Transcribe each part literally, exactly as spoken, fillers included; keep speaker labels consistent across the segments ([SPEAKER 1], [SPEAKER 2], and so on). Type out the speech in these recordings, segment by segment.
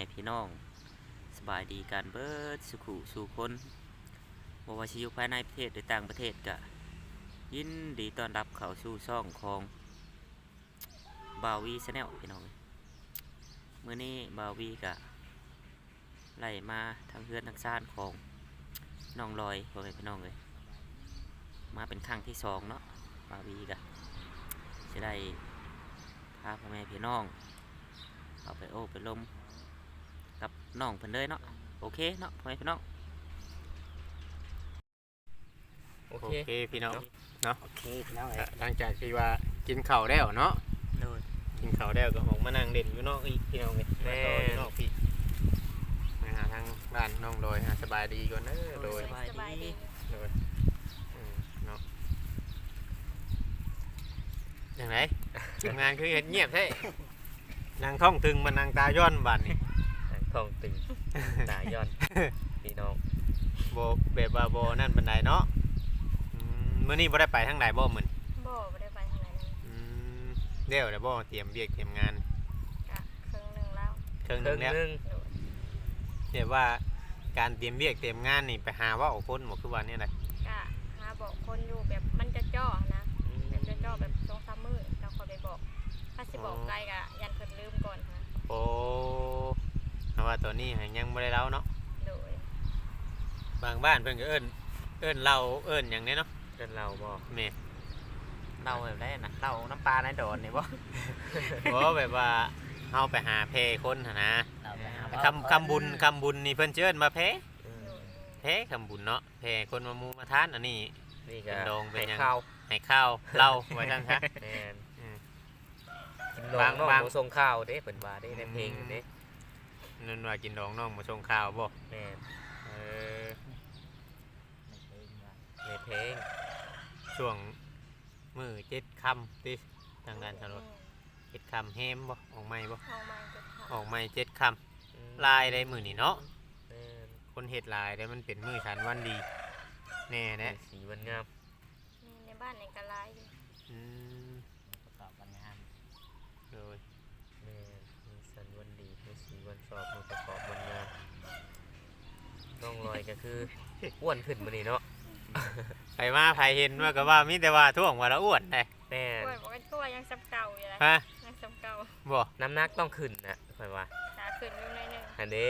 [SPEAKER 1] พี่น้องสบายดีการเบิดสุขุสู่คนบ่ว่าสิอยู่ภายในประเทศหรือต่างประเทศก็ยินดีต้อนรับเข้าสู่ช่องของบาวีชาแนลพี่น้องมื้อนี้บาวีก็ไล่มาทางเพื่อนทางซ่านของน้องลอยพ่อแม่พี่น้องเลยมาเป็นครั้งที่สองเนาะบาวีก็จะได้พาพ่อแม่พี่น้องเอาไปโอ้ไปลมกับน้องเพิ่นเลยเนาะโอเคเนาะพ่อแม่พี่น้อง
[SPEAKER 2] โอเคพี่น้องเนาะ
[SPEAKER 1] โอเคพี่น้องเลย
[SPEAKER 2] หลังจากที่ว่ากินข้าวแล้วเนาะ
[SPEAKER 1] โดย
[SPEAKER 2] กินข้าวแล้วก็ออกมานั่งเด่นอยู่นอกอีกพี่น้องเลยแม่นอกพี่มาหาทางบ้านน้องโดยหาสบายดีก่อนเด้อโดย
[SPEAKER 3] สบายดี
[SPEAKER 2] โดยอืมเนาะอย่างไรทำงานคือเห็นเงียบใช่นางท่องตึงมันนางตาย้อนบัดนี่
[SPEAKER 4] ทองตึง ตาย้อนพี่น้อง
[SPEAKER 2] โบแบบว่าโบนั่นบันไดเนาะอืมมื้อนี้บ่ได้ไปทางใดบ่มื้อนี้
[SPEAKER 3] บ่ไม่ได้ไปทางไหนเลย
[SPEAKER 2] อืมเดี๋ยวเดี๋ยวบ่เตรียมเบียกเตรียมงาน
[SPEAKER 3] กะครึ่งหนึ่งแล้ว
[SPEAKER 2] เครื่องห
[SPEAKER 4] เค
[SPEAKER 2] นึ
[SPEAKER 4] รื่อง
[SPEAKER 2] งแล้ว
[SPEAKER 4] นึง
[SPEAKER 3] โดย
[SPEAKER 2] เดี๋ยวว่าการเตรียมเบียกเตรียมงานนี่ไปหาว่าเอาคนบ่คือว่านี่แหละ
[SPEAKER 3] กะหาบอกคนอยู่แบบมันจะจ่อนะแบบจะจ่อแบบสองสามมื้อเราคอยไปบอกถ้าสิบอกไกลกะยันเพิ่นลืมก่อนฮะ
[SPEAKER 2] โอ้เพราะว่าตัวนี้ยังบ่ได้เล่าเนาะ
[SPEAKER 3] โดย
[SPEAKER 2] บางบ้านเพิ่นก็เอิ้นเอิ้นเราเอิ้นหยังนี้เนาะ
[SPEAKER 4] เดินเราบ่
[SPEAKER 2] แม่
[SPEAKER 1] เราแบบได้นะเราน้ำปลาในโดนนี่บ่
[SPEAKER 2] บ่แบบว่าเฮาไปหาเพคนหั่นนะ
[SPEAKER 1] เราไปหา
[SPEAKER 2] คำคำบุญคำบุญนี่เพิ่นสิเอิ้นมาเพ
[SPEAKER 4] อืม
[SPEAKER 3] โดย
[SPEAKER 2] เพคำบุญเนาะเพคนมามูมาทานอันนี้
[SPEAKER 4] นี่
[SPEAKER 2] เป็
[SPEAKER 4] ก็
[SPEAKER 2] นดองเป็นหยัง
[SPEAKER 4] ให้ข้าว
[SPEAKER 2] ให้ข้าวเหล้าไว้ซั่นซะ
[SPEAKER 4] แม่น
[SPEAKER 2] อืม
[SPEAKER 4] กินดอง
[SPEAKER 2] บาง
[SPEAKER 4] น้อง
[SPEAKER 2] บาง
[SPEAKER 4] บ่ส่งข้าวเด้เพิ่นว่าเด้ในเพลงเด้
[SPEAKER 2] นั่นว่ากินดองน้องมาส่งข้าวบ่
[SPEAKER 4] แม่น
[SPEAKER 2] เออ
[SPEAKER 4] ในเพลง
[SPEAKER 2] ช่วงมื้อเจ็ดค่ำติทางด้านถนน
[SPEAKER 3] อืม
[SPEAKER 2] เจ็ดค่ำแฮมบ่ออกใหม่บ่
[SPEAKER 3] เอามาจะท
[SPEAKER 2] ออกใหม่เจ็ดค่
[SPEAKER 4] อืม
[SPEAKER 2] ำลายได้มื้อนี้เนาะ
[SPEAKER 4] แม่น
[SPEAKER 2] คนเฮ็ดลายได้มันเป็นมื้อฉันวันดีแน่แน่
[SPEAKER 4] สีมันงาม
[SPEAKER 3] ำนี่ในบ้านในกะลายอยู่
[SPEAKER 2] อืม
[SPEAKER 1] ประกอบกันงาน
[SPEAKER 2] โดย
[SPEAKER 4] แม่นมีสันวันดีมีสีวันสอบมีประกอบวันงามน้องลอยก็คือ อ้วนขึ้นมื้อนี้เนาะ
[SPEAKER 2] ไปมาไผเห็นว่าก็ว่ามีแต่ว่าท่วงว่าละอ้วนได้
[SPEAKER 4] แม่น
[SPEAKER 3] กล้วยบอกว่าตัวยังซ้ำเก่าอยู่เลย
[SPEAKER 2] ฮะ
[SPEAKER 3] ยังซ้ำเก่า
[SPEAKER 2] บ่
[SPEAKER 4] น้ำหนักต้องขึ้นนะค่อยว่า
[SPEAKER 3] ขาขึ้นอยู่หน่อยหนึง
[SPEAKER 4] อันนี้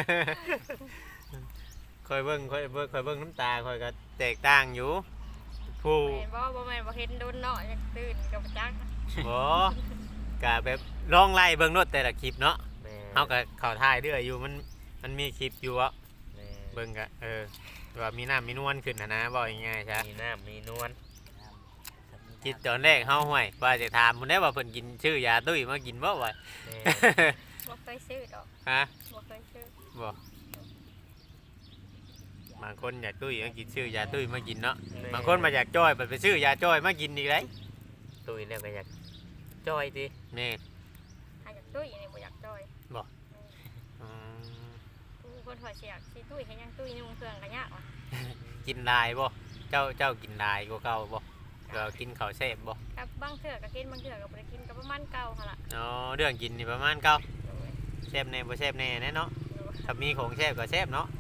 [SPEAKER 2] คอยเบิ่งคอยเบิ่งคอยเบิ่งน้ำตาคอยก็แตกต่างอยู่ผู้
[SPEAKER 3] แม่นบ่บ่แม่นบ่เห็นโดนเนาะยังตื่นกับจัก
[SPEAKER 2] บ่กะแบบลองไล่เบิ่งโนดแต่ละคลิปเนาะ
[SPEAKER 4] แม่น
[SPEAKER 2] เฮาก็เข้าถ่ายเรื่อยอยู่มันมันมีคลิปอยู่อ่ะ
[SPEAKER 4] แม่น
[SPEAKER 2] เบิ่งก็เออว่ามีน้ำมีนวลขึ้นนะนะบอกง่ายๆใช่
[SPEAKER 4] มีน้ำมีนวล
[SPEAKER 2] คิดตอนแรกเฮาห่วยว่าจะถามเพิ่นได้ว่าเพิ่นกินชื่อยาตุ้ยมากินบ่วะ
[SPEAKER 4] แม่น
[SPEAKER 3] บ่เคยซื้อดอก
[SPEAKER 2] ฮะ
[SPEAKER 3] บ่เคยซื้อ
[SPEAKER 2] บ่บางคนอยากตุ้ยมากินชื่อยาตุ้ยมากินเนาะบางคนมาอยากจ้อยไปไปซื้อยาจ้อยมากินอีกเลย
[SPEAKER 4] ตุยแล้วก็อยากจอยดิ
[SPEAKER 2] แม่
[SPEAKER 3] หาจากตุ้ยนี่บ่อยากจ้อย
[SPEAKER 2] อืม
[SPEAKER 3] ผู้คนถอยเสียกสิตุ้ยให้ยังตุ้ยนุ่งเครื่องก็ยากว่ะ
[SPEAKER 2] กินลายบ่เจ้าเจ้ากินลายกว่าเก่าบ่เรากินข้าวแซ่บบ่
[SPEAKER 3] กับบางเทื่อก็กินบางเทื่อก็บ่ได้กินก็ประมาณเก่าหั่นล่ะ
[SPEAKER 2] อ๋อเรื่องกินนี่ประมาณเก่า
[SPEAKER 3] โดย
[SPEAKER 2] แซ่บแน่บ่แซ่บแน่แน่เนาะ
[SPEAKER 3] โดย
[SPEAKER 2] ถ้ามีของแซ่บก็แซ่บเนาะ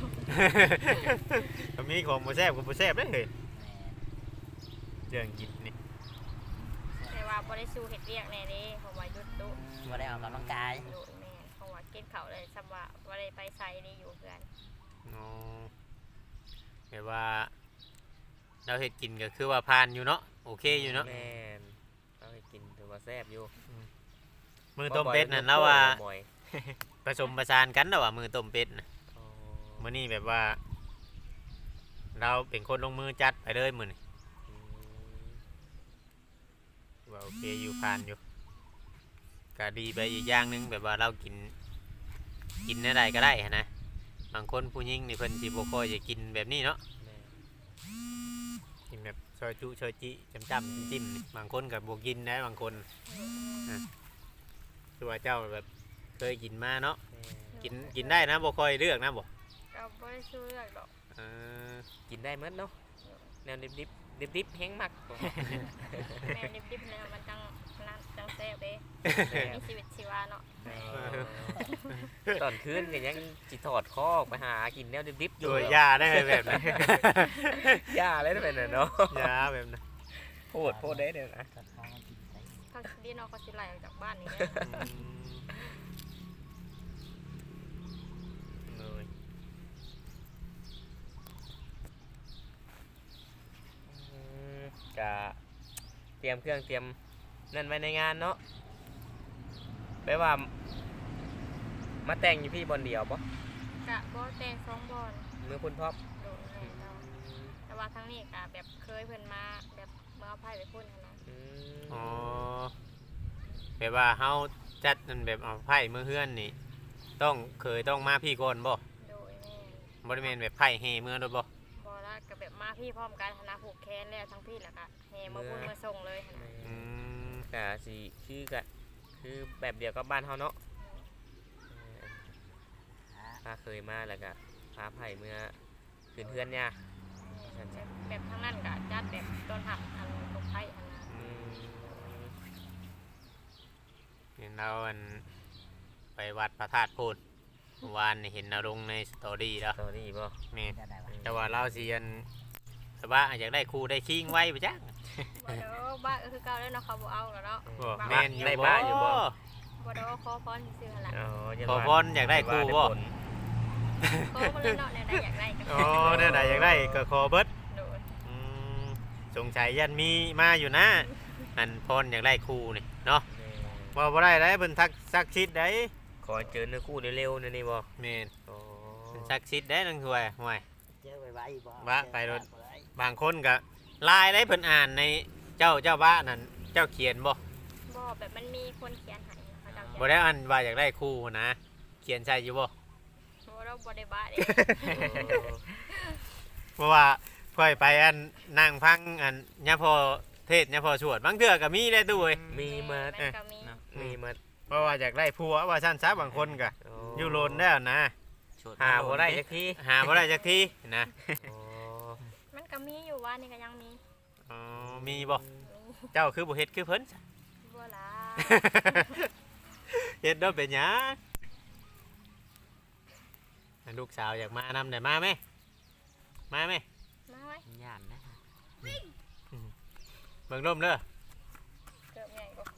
[SPEAKER 2] ถ้ามีของบ่แซ่บก็บ่แซ่บเด้เฮ้ยเรื่องกินนี่
[SPEAKER 3] แต่ว่าบ่ได้สู้เฮ็ดเวียกแน่เด้เพราะว่าหยุดตุ
[SPEAKER 1] มาได้ออกกำลังกาย
[SPEAKER 3] โดยแม่เพราะว่ากินข้าวเลยสำว่าบ่ได้ไปไสนี่อยู่เพื่อน
[SPEAKER 2] อ๋อแบบว่าเราเฮ็ดกินก็คือว่าผ่านอยู่เนาะโอเคอยู่เนาะ
[SPEAKER 4] แม่นเอาให้กินถือว่าแซ่บอยู่
[SPEAKER 2] มือต้มเป็ดนั่นแล้วว่า
[SPEAKER 4] บ่อย
[SPEAKER 2] ผสมประสานกันแล้วว่ามือต้มเป็ดน่ะ
[SPEAKER 4] อ๋อ
[SPEAKER 2] มื้อนี้แบบว่า เราเป็นคนลงมือจัดไปเลยมื้อนี้
[SPEAKER 4] อืม
[SPEAKER 2] ว่าโอเคอยู่ผ่านอยู่ก็ดีไปอีกอย่างหนึงแบบว่าเรากิน กินได้ก็ได้หั้นนะบางคนผู้หญิงนี่เพิ่นสิบ่ค่อยจะกินแบบนี้เนาะ
[SPEAKER 4] แม่น
[SPEAKER 2] กินแบบซอยจุซอยจิจำจำจิ้มๆนี่บางคนกับบวกินได้บางคนคือว่าเจ้าแบบเคยกินมาเนาะ
[SPEAKER 4] แม่น
[SPEAKER 2] กินกินได้นะบ่ค่อยเลือกนะบ่
[SPEAKER 3] ก็บ่ได้สู้เลือกดอก
[SPEAKER 2] เออ
[SPEAKER 4] กินได้หมดเนาะแนวดิบดิบดิบดิบๆแห้งมักบ่
[SPEAKER 3] แม่ดิบๆเนี่ยมันจังนั้นจังแซ่บเด้มีชีวิตชีวาเนาะ
[SPEAKER 4] แม่นตอนคืนก็ยังสิถอดคอไปหากินแนวดิบๆอยู่
[SPEAKER 2] ตัวยาได้แบบนั้น
[SPEAKER 4] ย่าเลยเป็นน่ะเนาะ
[SPEAKER 2] ยาแบบนั้น
[SPEAKER 4] โพดโพดได้เด้อนะ
[SPEAKER 3] เขาดีเนาะเขาสิไล่ออกจากบ้านนี่แหละ
[SPEAKER 4] เลยอืมกะเตรียมเครื่องเตรียมนั่นไว้ในงานเนาะแปลว่า มาแต่งอยู่พี่บอลเดียวปะ
[SPEAKER 3] กะบ่แต่งสองบอล
[SPEAKER 4] มือคุณพ่อ
[SPEAKER 3] โดยแม่เจ้าแต่ว่าทั้งนี้กะแบบเคยเพิ่นมาแบบเมื่อเอาไพ่ไปพุ่นหั้นนะ
[SPEAKER 4] อืม
[SPEAKER 2] อ๋อแบบว่าเฮาจัดนั่นแบบเอาไผ่มือเฮือนนี่ ต้องเคยต้องมาพี่ก่อนบ่
[SPEAKER 3] โดยแม่
[SPEAKER 2] บ่ได้แม่นแบบไผ่เฮมือโดดบ่
[SPEAKER 3] บอละกับแบบมาพี่พร้อมกันหั้นนะผูกแขนแล้วทั้งพี่แล้วก็แห่มาพุ่นมาส่งเลยหั้นนะ
[SPEAKER 2] อืม
[SPEAKER 4] กะสิคือกะคือแบบเดียวกับบ้านเฮาเนาะถ้าเคยมาแล้วก็พาไผ่เมื่อคืนเพื่อนเนี่ย
[SPEAKER 3] แบบแบบทั้งนั้นกะจัดแบบต้นหักอันลูกไผ่หั้นนะ
[SPEAKER 4] อืม
[SPEAKER 2] เห็นเราอันไปวัดพระธาตุโพนเมื่อวานนี่เห็นเราลงในสตอรี่แล้ว
[SPEAKER 4] ตอนนี้บ่
[SPEAKER 2] แม่นแต่ว่าเราสิอันแต่ว่าอยากได้ครูได้คิงไว้ปะจ๊ะ
[SPEAKER 3] บ่เด้อบ้าก็คือเก่าแล้วเนาะเขาบ่เอาแล้วเนาะ
[SPEAKER 2] บ่
[SPEAKER 3] บ้า
[SPEAKER 2] แม่นอยู่
[SPEAKER 4] ได้
[SPEAKER 2] บ่
[SPEAKER 4] บ้านอยู่บ่
[SPEAKER 3] บ่เด้อขอพรซื่อๆหั่นล่ะ
[SPEAKER 4] อ๋อยัน
[SPEAKER 2] ขอ
[SPEAKER 4] ว่า
[SPEAKER 2] พรอยากได้ครูบ่
[SPEAKER 4] ได้ผล
[SPEAKER 3] ขอมาเลยเนาะแนวใดอยากได้ก็
[SPEAKER 2] อ๋อเนี่ยไหนอยากได้ก็ขอเบิด
[SPEAKER 3] โดย
[SPEAKER 2] อืมสงสัยยันมีมาอยู่นะอันพรอยากได้ครูนี่เนาะ
[SPEAKER 4] แม่
[SPEAKER 2] บ่บ่ได้ได้เพิ่นทักซักชิดได้
[SPEAKER 4] ขอให้เจอเนื้อคู่เร็วๆนะนี่บ่
[SPEAKER 2] แม่น
[SPEAKER 4] อ๋อ
[SPEAKER 2] เพิ่นซักชิดได้นังถวยห่วย
[SPEAKER 5] เจอไปไว้บ่
[SPEAKER 2] ว่าไปรถ บางคนก็ลายได้เพิ่นอ่านในเจ้าเจ้าบ้านนั่นเจ้าเขียนบ่
[SPEAKER 3] บ่แบบมันมีคนเขียนให้เขาเจ้าเขียน
[SPEAKER 2] บ่ได้อันว่าอยากได้ครูนะ เขียนใช่อยู่บ่
[SPEAKER 3] บ่เราบ่ได้บ้าเด้
[SPEAKER 2] เพราะว่าค่อยไปอันนั่งพังอันยะพอเทศยะพอสวดบางเทื่อก็มีได้ตู้เว้ย
[SPEAKER 4] มีมา
[SPEAKER 3] แนก็มี
[SPEAKER 4] มีมา
[SPEAKER 2] เพราะว่าอยากได้ผัวว่าซั่นซะบางคนก็อยู่โลนแล้วนะ
[SPEAKER 4] หาบ่ได้จักที
[SPEAKER 2] หาบ่ได้จักทีนะ
[SPEAKER 4] อ๋อ
[SPEAKER 3] มันก็มีอยู่ว่านี่ก็ยังมี
[SPEAKER 2] อ๋อมีบ่
[SPEAKER 3] มี
[SPEAKER 2] เจ้าคือบ่เฮ็ดคือเพิ่น
[SPEAKER 3] บ่ล่ะ
[SPEAKER 2] เฮ็ดเด้อเป็นหยังลูกสาวอยากมานำได้มาไหมมาไหม
[SPEAKER 3] มาไว้
[SPEAKER 5] ย่านนะ
[SPEAKER 2] เบิ่งลมเด้อ
[SPEAKER 3] เกือบใหญ่กว่าคน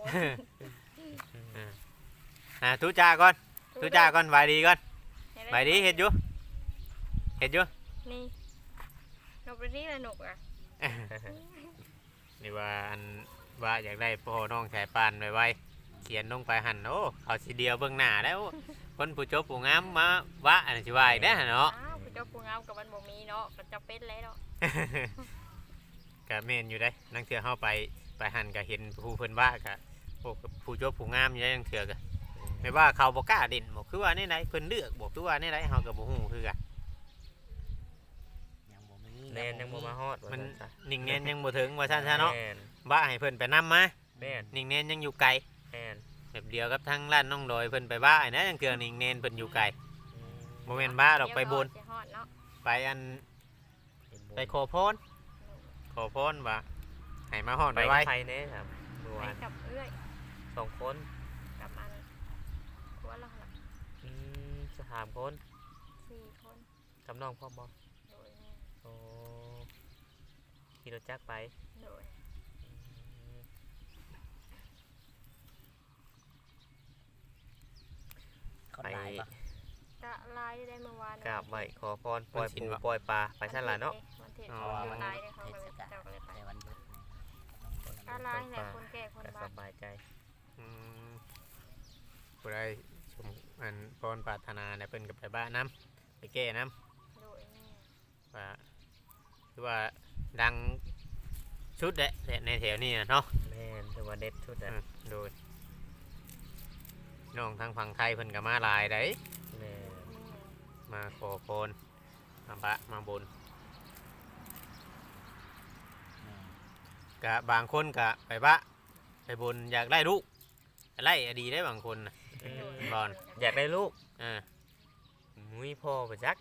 [SPEAKER 2] อ่าทุจาก่อนทุจาก่อนไหวดีก่อน
[SPEAKER 3] ให้
[SPEAKER 2] ไหวดีเฮ็ดอยู่เฮ็ดอยู่
[SPEAKER 3] นี่นกไปที่ละนกอ่ะ
[SPEAKER 2] นี่ว่าอันว่าอยากได้พ่อน้องสายปานไว้ไว้เขียนลงไปหั่นโอ้เขาสิเดียวเบิ่งหน้าแล้วคนผู้จบผู้งามมาวะอันสิว่าอีกเด้อเนาะ
[SPEAKER 3] อ้าวผู้เจ้าผู้งามกับมันบ่มีเนาะก็จะเป็นแล้วเนาะ
[SPEAKER 2] ก็แม่นอยู่ได้นังเถื่อเฮาไปไปหั่นก็เห็นผู้เพิ่นว่าก็โอ้ผู้จบผู้งามอยู่ได้นังเถื่อก็ไม่ว่าเขาบ่กล้าเด่นบ่คือว่าแนวใดเพิ่นเลือกบ่คือว่าแนวใดเฮาก็บ่ฮู้คือกัน
[SPEAKER 5] ยังบ่มี
[SPEAKER 4] แนนยังบ่มาฮอดว่า
[SPEAKER 2] มัน
[SPEAKER 4] ซั่นซะ
[SPEAKER 2] นิ่งแน่นยังบ่ถึงว่าซั่นซะเนาะ
[SPEAKER 4] แม่น
[SPEAKER 2] ว่าให้เพิ่นไปนำมา
[SPEAKER 4] แม่น
[SPEAKER 2] นิ่งแน่นยังอยู่ไกล
[SPEAKER 4] แม่น
[SPEAKER 2] แบบเดียวกับทางร้านน้องดอยเพิ่นไปบ้าไอ้นะยังเถื่อนิ่งแน่นเพิ่นอยู่ไกล
[SPEAKER 4] อืม
[SPEAKER 2] บ่แม่นบ้าดอกไปบน
[SPEAKER 3] เดี๋ยวฮอดสิฮอดเนาะ
[SPEAKER 2] ไปอันไปขอพรขอพรว่าให้มาฮอด
[SPEAKER 4] ไป
[SPEAKER 2] ไว้
[SPEAKER 4] ไทยแน่ครับเมื่อ
[SPEAKER 3] ไป
[SPEAKER 4] วาน
[SPEAKER 3] กับเอื้อย
[SPEAKER 4] สองคน
[SPEAKER 3] กับมันตัวละหลัก
[SPEAKER 4] อืมสามคน
[SPEAKER 3] สี่คน
[SPEAKER 4] กับน้องพ่อบ่
[SPEAKER 3] โดยแม่
[SPEAKER 4] โอ้ขี่รถจักรไป
[SPEAKER 3] โดย
[SPEAKER 5] คน
[SPEAKER 4] ไป
[SPEAKER 5] หลายบ่
[SPEAKER 3] กะลายได้เมื่อวาน
[SPEAKER 4] กราบไหว้ขอพรปล่อยปูปล่อยปลาไปสั่นล่ะเนาะ
[SPEAKER 3] วันเทศเขาอยู่ลายเลยเขา
[SPEAKER 5] เท
[SPEAKER 3] ก็
[SPEAKER 5] ศ
[SPEAKER 3] เลย
[SPEAKER 5] กาล
[SPEAKER 3] เจ้าก็เลยไป
[SPEAKER 5] แต่วันหยุด
[SPEAKER 3] กะลายแหละคนแก่คน
[SPEAKER 4] ก็
[SPEAKER 3] บ้า
[SPEAKER 4] สบายใจ
[SPEAKER 2] อืมผู้ใดชมอันพรปรารถนาเนี่ยเพิ่นก็ไปบ้านน้ำไปแก้น้
[SPEAKER 3] โดยแม่
[SPEAKER 2] ำว่าคือว่าดังชุดแหละแต่ในแถวนี้น่ะเนาะ
[SPEAKER 4] แม่นถือว่าเด็ดชุด
[SPEAKER 2] อื
[SPEAKER 4] อ่ะ
[SPEAKER 2] มโดยน้องทางฝั่งไทยเพิ่นก็มาหลายได้
[SPEAKER 4] แม่น
[SPEAKER 3] แม่
[SPEAKER 2] มาขอพรมาบะมาบน
[SPEAKER 5] แม่
[SPEAKER 2] กะบางคนกะไปบะไปบนอยากได้ลูกไล่อดีได้บางคนน่ะ
[SPEAKER 4] อืม
[SPEAKER 2] บอล
[SPEAKER 4] อยากได้ลูก
[SPEAKER 2] อ่า
[SPEAKER 4] มุ้ยพ่อไปจัก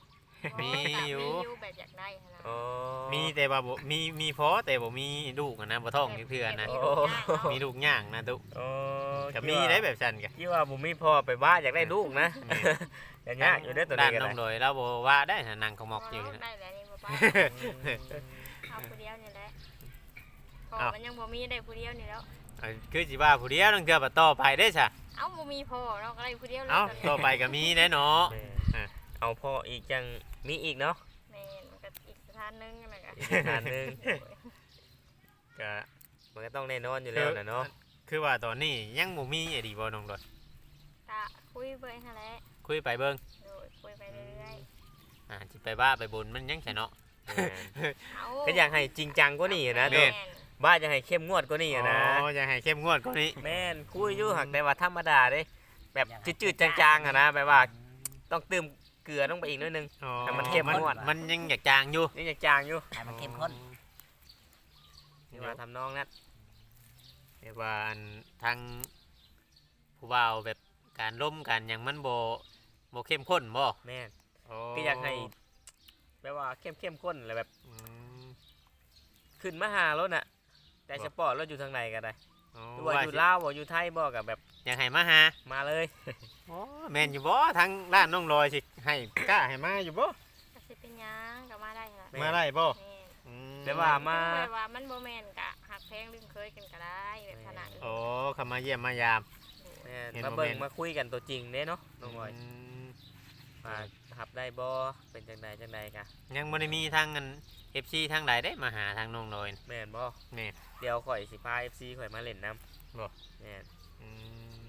[SPEAKER 2] มีอยู่
[SPEAKER 3] มีอยู่แบบอยากได้หั่นนะ
[SPEAKER 4] โอ้
[SPEAKER 2] มีแต่ว่าบ่มีมีพอแต่บ่มีลูกอะนะบ่ท้องจักเทื่อนะ
[SPEAKER 3] แบบมีลูกง่ายเนาะ
[SPEAKER 2] มีลูกย่างนะตุ
[SPEAKER 4] โอ้
[SPEAKER 2] ก็มีได้แบบซั่นก็
[SPEAKER 4] ที่ว่าบ่มีพ่อไปบ้านอยากได้ลูกนะอย่างยากอยู่เด้อตัว
[SPEAKER 2] ด้า
[SPEAKER 4] นี้
[SPEAKER 2] น
[SPEAKER 4] ก็
[SPEAKER 2] น้อง
[SPEAKER 4] ได้
[SPEAKER 2] โดยเราบ่ว่าได้ถ้านั่งเขามอกอยู่
[SPEAKER 3] ลูก
[SPEAKER 2] นะ
[SPEAKER 3] ได้แล้วนี่บ่ป้าเอาผู้เดียวนี่แหละพอ
[SPEAKER 2] เอ้า
[SPEAKER 3] มันยังบ่มีได้ผู้เดียวนี่แล้ว
[SPEAKER 2] เอ้ยคือสิว่าผู้เดียวต้องเทื่อบ่ต่อไปได้ซะ
[SPEAKER 3] เอ้าบ่มีพ่อเนาะก็ได้ผู้เดียวเลย
[SPEAKER 2] เอ้า
[SPEAKER 3] ตอนนี้
[SPEAKER 2] ต่อไปก็มีได้เนาะ
[SPEAKER 4] แม่
[SPEAKER 2] อ่ะ
[SPEAKER 4] เอาพ่ออีกจังมีอีกเนาะ
[SPEAKER 3] แม่นมันก็อีกสถานหนึงนั่นแหละก็
[SPEAKER 4] อีกสถานหนึง
[SPEAKER 2] ก็
[SPEAKER 4] มันก็ต้องแน่นอนอยู่แล้วนะเนาะ
[SPEAKER 2] คือว่าตอนนี้ยังบ่มีไอ้ดีบ่น้องโดย
[SPEAKER 3] ก็คุยเบิ่งหั่นแหละ
[SPEAKER 2] คุยไปเบิ่ง
[SPEAKER 3] โดยคุยไปเรื่อย
[SPEAKER 2] อ่าสิไปว่าไปบนมันยังใช่เนาะ
[SPEAKER 4] แม่น
[SPEAKER 3] ๆเอา
[SPEAKER 4] ก็อยากให้จริงจังกว่านี้นะ
[SPEAKER 2] แม่
[SPEAKER 4] เด้
[SPEAKER 2] น
[SPEAKER 4] บ้านอยากให้เข้มงวดกว่านี้นะ
[SPEAKER 2] อ๋ออยากให้เข้มงวดกว่านี้
[SPEAKER 4] แม่นคุยอยู่หักแต่ว่าธรรมดาเด้แบบจืดๆจางๆอะนะแบบว่าต้องเติมเกลือต้องไปอีกนิดนึง
[SPEAKER 2] อ๋อ
[SPEAKER 4] แต่มันเข้มงวด
[SPEAKER 2] มันยังอยากจางอยู่
[SPEAKER 4] นี่ยังจางอยู่
[SPEAKER 5] ให้มันเข้มข้น
[SPEAKER 4] นี่ว่าทำน้องนัด
[SPEAKER 2] เรียกว่าอันทางผู้บ่าวแบบการล้มกันอย่างมันโบโบเข้มข้นบ่
[SPEAKER 4] แม่น
[SPEAKER 2] โอ้
[SPEAKER 4] ก็อยากให้แบบว่าเข้มเข้มข้นอะไรแบบ
[SPEAKER 2] อืม
[SPEAKER 4] ขึ้นมาหารถน่ะ แต่สปอร์ตรถอยู่ทางไหนก็ได้
[SPEAKER 2] อ๋อ
[SPEAKER 4] หรือว่าอยู่ลาวบ่อยู่ไทยบ่กับแบบ
[SPEAKER 2] อยากให้มาหา
[SPEAKER 4] มาเลย
[SPEAKER 2] โอ้แม่นอยู่บ่ทางร้านน้องลอยสิให้กล้าให้มาอยู่บ่
[SPEAKER 3] ก็สิเป็นหยังก็มาได้ล่ะ
[SPEAKER 4] แม่
[SPEAKER 2] มาได้บ่
[SPEAKER 3] แม่น
[SPEAKER 2] อืม
[SPEAKER 4] แต่ว่ามา
[SPEAKER 3] แบบว่ามันบ่แม่นกะหักแพงลืมเคยกันก็ได้แบบขนาดนี้
[SPEAKER 2] โอ้เข้ามาเยี่ยมมายาม
[SPEAKER 4] แม่น
[SPEAKER 2] เห็น
[SPEAKER 4] มา
[SPEAKER 2] บ่
[SPEAKER 4] เบิ่ง
[SPEAKER 2] แม่น
[SPEAKER 4] มาคุยกันตัวจริงเด้เนาะน้องบอย
[SPEAKER 2] ม
[SPEAKER 4] มาหับได้บ่เป็นจังใดจังใดกะ
[SPEAKER 2] ยังบ่ได้มีทางอัน เอฟ ซี ทางใดได้มาหาทางน้องลอย
[SPEAKER 4] แม่นบ่
[SPEAKER 2] แม่น
[SPEAKER 4] เดี๋ยวข่อยสิพา เอฟ ซี ข่อยมาเล่นน้ำ
[SPEAKER 2] บ่
[SPEAKER 4] แม่น
[SPEAKER 2] อืม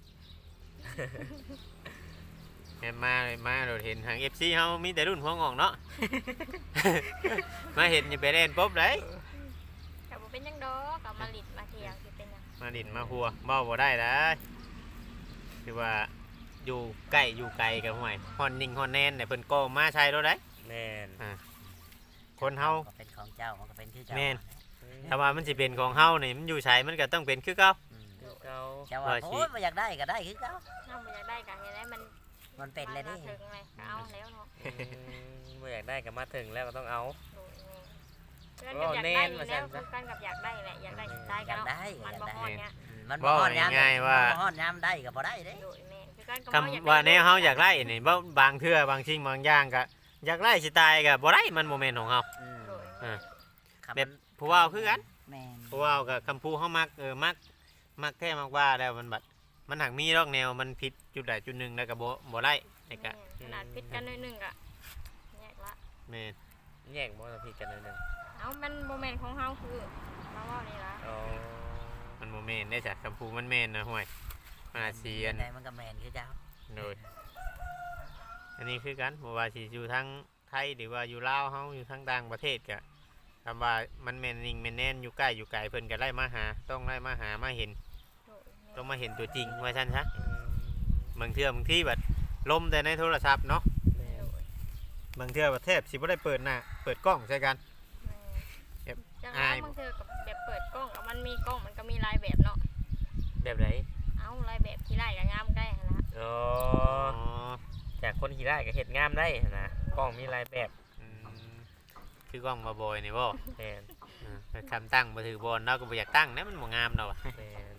[SPEAKER 2] แม่นมามาเราเห็นทาง เอฟ ซี เฮามีแต่รุ่นหัวงอกเนาะ มาเห็นอย่าไปเล่นปุ๊บเลย
[SPEAKER 3] ก็บ่เป็นหยังดอกก็มาลิดมาเที่ยวสิเป็นหยัง
[SPEAKER 2] มาดินมาหัวเบ้าบ่ได้นะคือว่าอยู่ใกล้อยู่ไกลกับห่วยฮอนนิ่งฮอนแนนเนี่ยเพิ่นก็มาใช้รถได้
[SPEAKER 4] แม่น
[SPEAKER 2] คนเฮา
[SPEAKER 5] ก็เป็นของเจ้ามันก็เป็นชื่อเจ้า
[SPEAKER 2] แม่น
[SPEAKER 4] อืม
[SPEAKER 2] ถ้าว่ามันสิเป็นของเฮานี่มันอยู่ใช้มันก็ต้องเป็นคือเก่า
[SPEAKER 5] อืม
[SPEAKER 4] คือเก่า
[SPEAKER 5] เจ้าว่า
[SPEAKER 2] ว่าสิ
[SPEAKER 5] โอ้ยบ่อยากได้ก็ได้คือเจ้า
[SPEAKER 3] เฮาบ่อยากได้ก็เฮ็ดให้มัน
[SPEAKER 5] มันเป็นเลยดิ
[SPEAKER 3] มาถึงเลยก็เอาแล้วเนาะ
[SPEAKER 4] อืมบ่อยากได้ก็มาถึงแล้วก็ต้องเอา
[SPEAKER 3] โดยแม่เพื่อนกับอยากได้อยู่แล้วคือกันกับอยากได้แหละอยากได้ได้
[SPEAKER 5] อ
[SPEAKER 3] กั
[SPEAKER 5] ยาน ก
[SPEAKER 3] เนาะ
[SPEAKER 5] ได้อ
[SPEAKER 3] มัน
[SPEAKER 5] ยาก
[SPEAKER 3] บ่
[SPEAKER 5] ได้
[SPEAKER 3] ฮอดเนี่ย
[SPEAKER 5] อืมมันบ่ฮอดยาม
[SPEAKER 2] ง่ายๆว่า
[SPEAKER 5] บ่ฮอดยามได้ก็บ่ได้เด้
[SPEAKER 3] โดยแม่คือกันกับ
[SPEAKER 2] คำว่าแนวเฮาอยากไล่นี่บ่บางเทื่อบางสิ่งบางอย่างก็อยากไล่สิตายก็บ่ได้มันบ่แม่นของเฮา
[SPEAKER 5] อืม
[SPEAKER 3] โดย
[SPEAKER 2] อ่า
[SPEAKER 5] คำ
[SPEAKER 2] แบบผู้เว้าคือกัน
[SPEAKER 5] แม่น
[SPEAKER 2] ผู้เว้ากับคำพูเฮามักเออมักมักแท้มักว่าแล้วมันบัดมันหักมีรอกแนวมันผิดจุดใดจุดหนึงแล้วก็บ่บ่ไล่นี่ก็
[SPEAKER 3] ขนาดพิดกันหน่อยหนึงก็แยกละ
[SPEAKER 2] แม่น
[SPEAKER 4] แยกบ่ผิดกันหนิดนึง
[SPEAKER 3] เอามันบ่แม่นของเฮาคือมาเว้านี่ล่ะ
[SPEAKER 4] อ๋อ
[SPEAKER 2] มันบ่แม่นได้จ้ะคำพูมันแม่นนะห่วยมันอาจสิอัน
[SPEAKER 5] ไหนมันก็แม่นคือเจ้า
[SPEAKER 2] โดยอันนี้คือกันบ่ว่าสิอยู่ทางไทยหรือว่าอยู่ลาวเฮาอยู่ทางต่างประเทศก็คำว่ามันแม่นนิ่งแม่นแน่นอยู่ใกล้อยู่ไกลเพิ่นก็ไล่มาหาต้องไล่มาหามาเห็น
[SPEAKER 3] โดยแม่
[SPEAKER 2] ต้องมาเห็นตัวจริงว่าซั่นซะ
[SPEAKER 4] อืม
[SPEAKER 2] บางเทื่อบางที่แบบลมแต่ในโทรศัพท์เนาะ
[SPEAKER 4] แม่น
[SPEAKER 3] โดย
[SPEAKER 2] บางเทื่อประเทศสิบ่ได้เปิดหน้าเปิดกล้องใส่กัน
[SPEAKER 3] แม่
[SPEAKER 2] เก็บ
[SPEAKER 3] จัง
[SPEAKER 2] อาย
[SPEAKER 3] ว่าบางเทื่อกับแบบเปิดกล้องกับมันมีกล้องมันก็มีหลายแบบเนาะ
[SPEAKER 4] แบบไหน
[SPEAKER 3] เอาหลายแบบที่ไล่ก็งามได้หั่นล่ะ
[SPEAKER 4] อ๋อ
[SPEAKER 2] อ๋อ
[SPEAKER 4] จากคนขี่ได้ก็เฮ็ดงามได้นะกล้องมีหลายแบบ
[SPEAKER 2] อืมคือกล้องมาบอยนี่บ่
[SPEAKER 4] แม่น
[SPEAKER 2] อ่าคำตั้งมาถือบอลเราก็บ่อยากตั้งนะมันบ่งามเนาะ
[SPEAKER 4] แม่น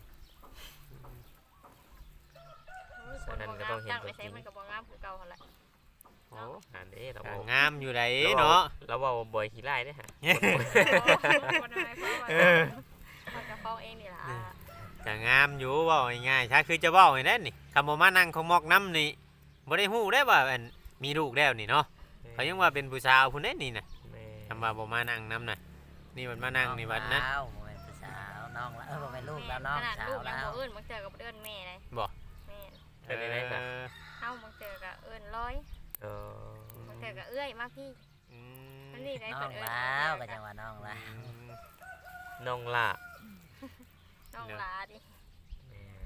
[SPEAKER 3] โอ้ย
[SPEAKER 4] อันนั้นก็ต้องเห็น
[SPEAKER 3] ตั้ง
[SPEAKER 4] ตัว
[SPEAKER 3] ไป
[SPEAKER 4] จริ
[SPEAKER 3] ใช้
[SPEAKER 4] ง
[SPEAKER 3] มันก็บ่งามคือเก่าหั่นแหละ
[SPEAKER 4] โอ้อันนี้เรา
[SPEAKER 2] ก็
[SPEAKER 4] บอก
[SPEAKER 2] งามอยู่ไดเนาะ
[SPEAKER 4] เราบอกว่าบ่อยขี่ไล่ได้อฮะ
[SPEAKER 3] คนอะไรเพราะว่า
[SPEAKER 2] เออ
[SPEAKER 3] มันจะฟ้องเองนี่ล่ะ
[SPEAKER 2] ก็งามอยู่เว้าง่ายๆถ้าคือจะเว้าให้แน่นนี่คำบ่มานั่งของมอกน้ำนี่บ่ได้ฮู้ได้ว่าอันมีลูกแล้วนี่เนาะเขายังว่าเป็นผู้สาวผู้นั้นนี่น่ะ
[SPEAKER 4] แม่
[SPEAKER 2] คำว่าบ่มานั่งน้ำน่ะนี่มันมานั่งนี่บัดนะ
[SPEAKER 5] น้องสาวบ่แม่นผู้สาวน้องละเออบ่แม่นลูกแล้วน้อง
[SPEAKER 3] ขนาด
[SPEAKER 5] สา
[SPEAKER 3] ลู
[SPEAKER 5] ว
[SPEAKER 3] กยัง
[SPEAKER 5] แล้ว
[SPEAKER 3] บ่เอิ้นบางเจอกับเอิ้นแม่เลย
[SPEAKER 2] บ่
[SPEAKER 3] แม่
[SPEAKER 4] เป็นยังไงซะ
[SPEAKER 2] เออ
[SPEAKER 3] เอ้าบางเจอกับเอิ้นร้อย
[SPEAKER 4] เออบ
[SPEAKER 3] างเจอกับเอื้อยมาพี่
[SPEAKER 2] อืม
[SPEAKER 3] มันนี่ได้
[SPEAKER 5] น้อ
[SPEAKER 3] เพิ่
[SPEAKER 5] ง
[SPEAKER 3] นเอิ้น
[SPEAKER 5] แล้วก็จังว่าน้องแล้ว
[SPEAKER 2] อืม
[SPEAKER 4] น้องล่ะ
[SPEAKER 3] น้องหลาดิ
[SPEAKER 4] แม่น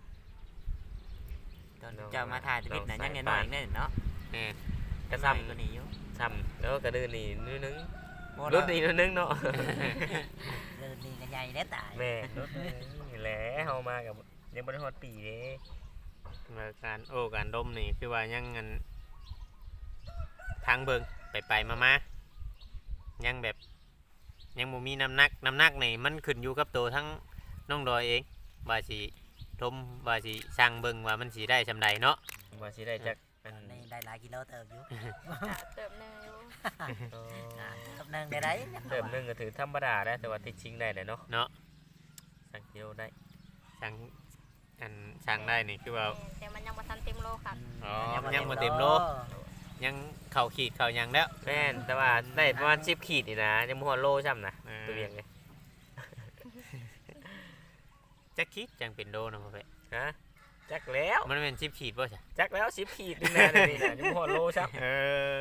[SPEAKER 1] ตอนเจ้ามาถ่ายชีวิตน่ะยังน้อยๆอีกเด้อเนาะ
[SPEAKER 2] แม่น
[SPEAKER 4] กระ
[SPEAKER 1] ซ้ำ
[SPEAKER 4] ซ้ำ
[SPEAKER 1] กว่านี้อยู่
[SPEAKER 4] ซ้ำแล้วกระดือนี่นิดนึง
[SPEAKER 1] บ่
[SPEAKER 4] ร
[SPEAKER 1] ร
[SPEAKER 4] ถ
[SPEAKER 1] ถ
[SPEAKER 4] นี่นิดนึงเนาะ
[SPEAKER 5] เดินนี่ก็ใหญ่ได้ตาย
[SPEAKER 4] แม่รถนี่แหละเฮามากับยังบ่ได้ฮอดปีเด้
[SPEAKER 2] มาการโอ้การดมนี่คือว่ายังงันไทางเบิงไปไปมามายังแบบยังบ่มีน้ำหนักน้ำหนักนี่มันขึ้นอยู่กับตัวทั้งน้องดอยเองว่าสิทมว่าสิสร้างเบิงว่ามันสิได้ซำใดเนาะ
[SPEAKER 4] ว่าสิได้จักอัน
[SPEAKER 5] นี่ได้หลายกิโลเติบอยู่
[SPEAKER 3] กะเติมหนึงอยู่
[SPEAKER 4] โอ้
[SPEAKER 5] อ่าเติบหนึงได้ไร
[SPEAKER 4] เติมหนึงก็ถือธรรมดาได้แต่ว่าติดชิงได้เลยเนาะ
[SPEAKER 2] เนาะ
[SPEAKER 4] สักกิโลได้
[SPEAKER 2] สร้างอันสร้างได้นี่คือว่า
[SPEAKER 3] แต่มันยังบ่ทันเต็มโลค่ะ
[SPEAKER 2] อ๋อยังบ่เต็มโล ยังเข่าขีดเข่าหยังแล้ว
[SPEAKER 4] แม่นแต่ว่าได้ประมาณสิบขีดนี่นะยังบ่ฮอดโลซ้ำนะ
[SPEAKER 2] เออ
[SPEAKER 4] ตัวเวียงเลย
[SPEAKER 2] จักขีดจังเป็นโลเนาะพ่อแพะ
[SPEAKER 4] ฮะจักแล้ว
[SPEAKER 2] มันเป็นสิบขีดบ่ใช่
[SPEAKER 4] จักแล้วสิบขีดนี่นะนี่นะยังบ่ฮอดโลซ้ำ
[SPEAKER 2] เออ